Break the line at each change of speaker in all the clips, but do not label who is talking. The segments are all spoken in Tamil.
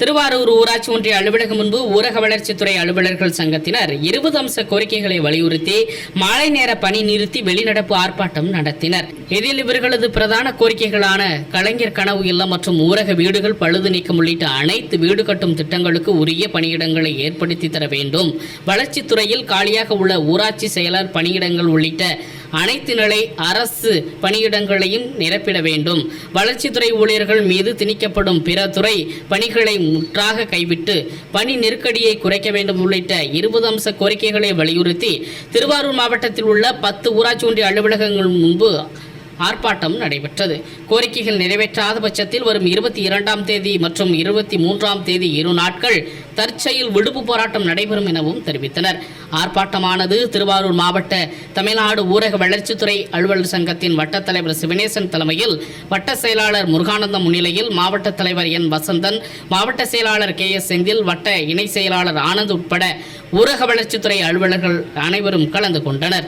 திருவாரூர் ஊராட்சி ஒன்றிய அலுவலகம் முன்பு ஊரக வளர்ச்சித்துறை அலுவலர்கள் சங்கத்தினர் 20 அம்ச கோரிக்கைகளை வலியுறுத்தி மாலை நேர பணி நிறுத்தி வெளிநடப்பு ஆர்ப்பாட்டம் நடத்தினர். இதில் இவர்களது பிரதான கோரிக்கைகளான கலைஞர் கனவு இல்லம் மற்றும் ஊரக வீடுகள் பழுது நீக்கம் உள்ளிட்ட அனைத்து வீடு கட்டும் திட்டங்களுக்கு உரிய பணியிடங்களை ஏற்படுத்தி தர வேண்டும், வளர்ச்சித்துறையில் காலியாக உள்ள ஊராட்சி செயலர் பணியிடங்கள் உள்ளிட்ட அனைத்து நிலை அரசு பணியிடங்களையும் நிரப்பிட வேண்டும், வளர்ச்சித்துறை ஊழியர்கள் மீது திணிக்கப்படும் பிற துறை பணிகளை முற்றாக கைவிட்டு பணி நெருக்கடியை குறைக்க வேண்டும் உள்ளிட்ட 20 அம்ச கோரிக்கைகளை வலியுறுத்தி திருவாரூர் மாவட்டத்தில் உள்ள 10 ஊராட்சி ஒன்றிய அலுவலகங்கள் முன்பு ஆர்ப்பாட்டம் நடைபெற்றது. கோரிக்கைகள் நிறைவேற்றாத பட்சத்தில் வரும் 22ஆம் தேதி மற்றும் 23ஆம் தேதி 2 நாட்கள் தற்செயல் விடுப்பு போராட்டம் நடைபெறும் எனவும் தெரிவித்தனர். ஆர்ப்பாட்டமானது திருவாரூர் மாவட்ட தமிழ்நாடு ஊரக வளர்ச்சித்துறை அலுவலர் சங்கத்தின் வட்டத் தலைவர் சிவனேசன் தலைமையில், வட்ட செயலாளர் முருகானந்தம் முன்னிலையில், மாவட்ட தலைவர் என் வசந்தன், மாவட்ட செயலாளர் KS செந்தில், வட்ட இணை செயலாளர் ஆனந்த் உட்பட ஊரக வளர்ச்சித்துறை அலுவலர்கள் அனைவரும் கலந்து கொண்டனர்.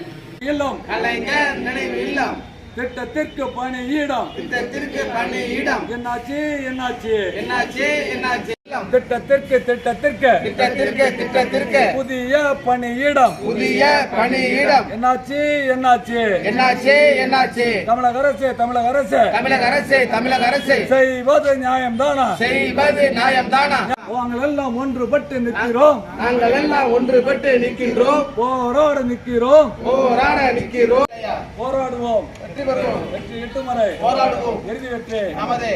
திட்டத்திற்கு பணியிடம் என்னாச்சு திட்டத்திற்கு புதிய பணியிடம் என்னாச்சு தமிழக அரசு செய்வது நியாயம்தானா? நாங்கள் எல்லாம் ஒன்றுபட்டு நிற்கிறோம், போராட நிற்கிறோம், போராடுவோம், வெற்றி எட்டும் வரை போராடுவோம், இறுதி வெற்றி நமதே.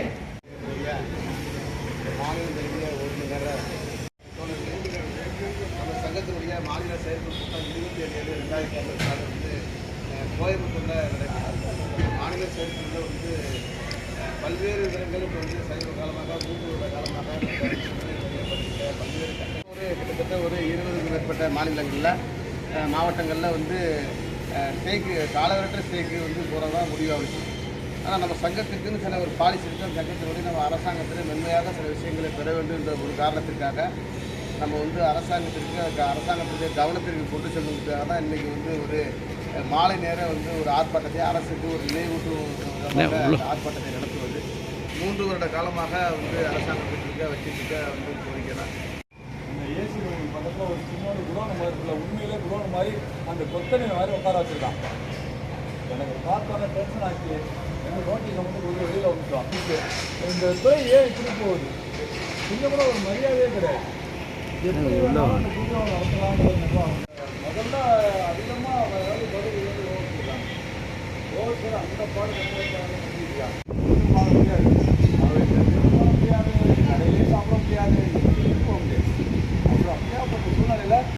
சங்கத்தினுடைய மாநில செயற்குழு கூட்டம் 27/7/2024 கோயம்புத்தூர்ல நடைபெற்றது. மாநில செயற்குழுல பல்வேறு விதங்கள் சமீப காலமாக 3 வருட காலமாக பல்வேறு கிட்டத்தட்ட ஒரு 20க்கும் மேற்பட்ட மாநிலங்களில் மாவட்டங்களில் ஸ்ட்ரைக்கு காலவரற்ற ஸ்ட்ரைக்கு போகிறதா முடிவாகுது. ஆனால் நம்ம சங்கத்துக்குன்னு சில ஒரு பாலிசி இருக்குது. அந்த சங்கத்தினுடைய நம்ம அரசாங்கத்தில் மென்மையாக சில விஷயங்களை பெற வேண்டும் என்ற ஒரு காரணத்திற்காக நம்ம அரசாங்கத்துடைய கவனத்திற்கு கொண்டு செல்வதற்காக தான் இன்றைக்கி ஒரு மாலை நேரம் ஒரு ஆர்ப்பாட்டத்தை அரசுக்கு ஒரு நினைவூட்டும் ஆர்ப்பாட்டத்தை நடத்துவது 3 வருட காலமாக அரசாங்கத்திற்கு வச்சுருக்க கோரிக்கை தான்.
ஏசி பக்கத்தில் ஒரு சின்ன குடோன் மாதிரி இருக்குல்ல, உண்மையிலே குடோன் மாதிரி அந்த கொத்தனை மாதிரி உட்கார வச்சுருக்கான். எனக்கு பார்த்தோன்னே டென்ஷன் ஆச்சு. எங்கள் நோட்டீஸை ஒரு வெளியில் வந்துட்டோம். இந்த துறை ஏன் இப்படி போகுது? கொஞ்சம் கூட ஒரு மரியாதையே கிடையாது. எப்படி நடத்தலாம்னு முதல்ல அதிகமாக பதில் ஓவர் அந்த பாடு முடியாது, கடையிலே சாப்பிட முடியாது, இருக்க முடியாது. அப்புறம் அப்படியாப்பட்ட சூழ்நிலையில்